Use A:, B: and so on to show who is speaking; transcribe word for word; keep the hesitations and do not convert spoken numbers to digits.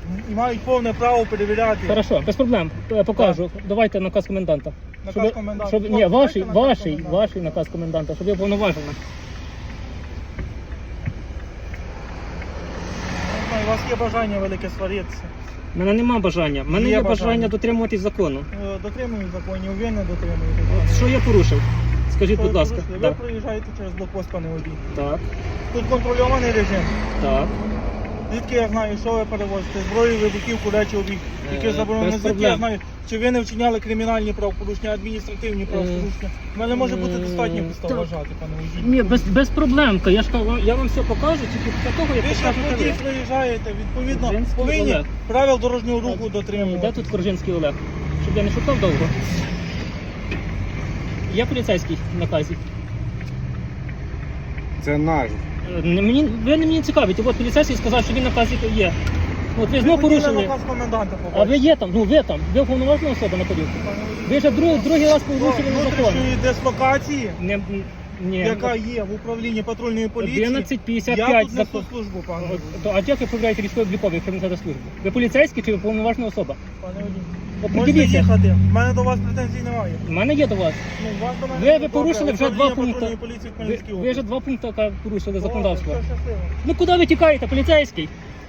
A: і мають повне право перевіряти.
B: Хорошо, без проблем. Е, Покажу. Давайте наказ коменданта.
A: Наказ
B: Щоб-
A: коменданта.
B: Щоб, ні,
A: Давайте
B: ваший,
A: наказ
B: ваший,
A: коменданта.
B: ваший наказ коменданта, щоб я повноважена.
A: Не знаю, у вас є бажання велике сваритися.
B: У мене нема бажання. У мене
A: Є
B: є бажання
A: бажання.
B: дотримуватись закону.
A: Е, Дотримують законів, ви не дотримуєте.
B: От що я порушив? Скажіть, будь ласка.
A: Ви
B: Так.
A: проїжджаєте через блокпост, пане водій.
B: Так,
A: Тут контрольований режим.
B: так.
A: Звідки я знаю, що ви перевозите? Зброю, вибухівку, речі, обіг, які
B: Е,
A: заборонені.
B: без
A: Звідки я
B: проблем.
A: знаю, чи ви не вчиняли кримінальні правопорушення, адміністративні правопорушення. У мене може бути
B: е,
A: достатньо підстав
B: так.
A: вважати, пане водій.
B: Ні, без, без проблем. Я ж кажу, я вам все покажу, тільки після того, як
A: Ви ж як
B: покажете
A: водій
B: ви.
A: проїжджаєте, відповідно,
B: Коржинський
A: повинні
B: Олег.
A: правил дорожнього руху
B: Де
A: дотримувати.
B: тут Коржинський Олег? Щоб я не шукав довго. Я поліцейський в наказі.
C: Це наш.
B: Е, не- Мені, ви не мені цікавите, от поліцейський сказав, що він на наказі є. От ви
A: Ви
B: знову
A: хотіли
B: порушили.
A: наказ коменданта
B: А ви
A: побачити.
B: є там, ну ви там, ви уповноважена особа на поділку.
A: Пане водій.
B: Ви вже другий, другий раз порушили закон.
A: Внутрішньої дислокації,
B: Не, ні.
A: яка є в управлінні патрульної поліції,
B: одинадцять п'ятдесят
A: я
B: п'ять
A: тут несу
B: закон.
A: службу, пане
B: От,
A: водій.
B: то, а як ви проявляєте військово-обліковий, якщо ви несете службу? Ви поліцейський чи ви повноважна особа?
A: Пане водій. Можете
B: Определіться.
A: їхати. У мене до вас претензій немає.
B: У мене є до вас.
A: Ну, вас до мене
B: Ви-
A: є.
B: ви
A: Добре,
B: порушили вже
A: управління
B: два пункти.
A: патрульної поліції в
B: Ви,
A: Хмельницькій
B: ви вже
A: області.
B: два пункти яка порушили
A: Добре,
B: законодавство.
A: все щасливо.
B: Ну куди ви тікаєте, поліцейський?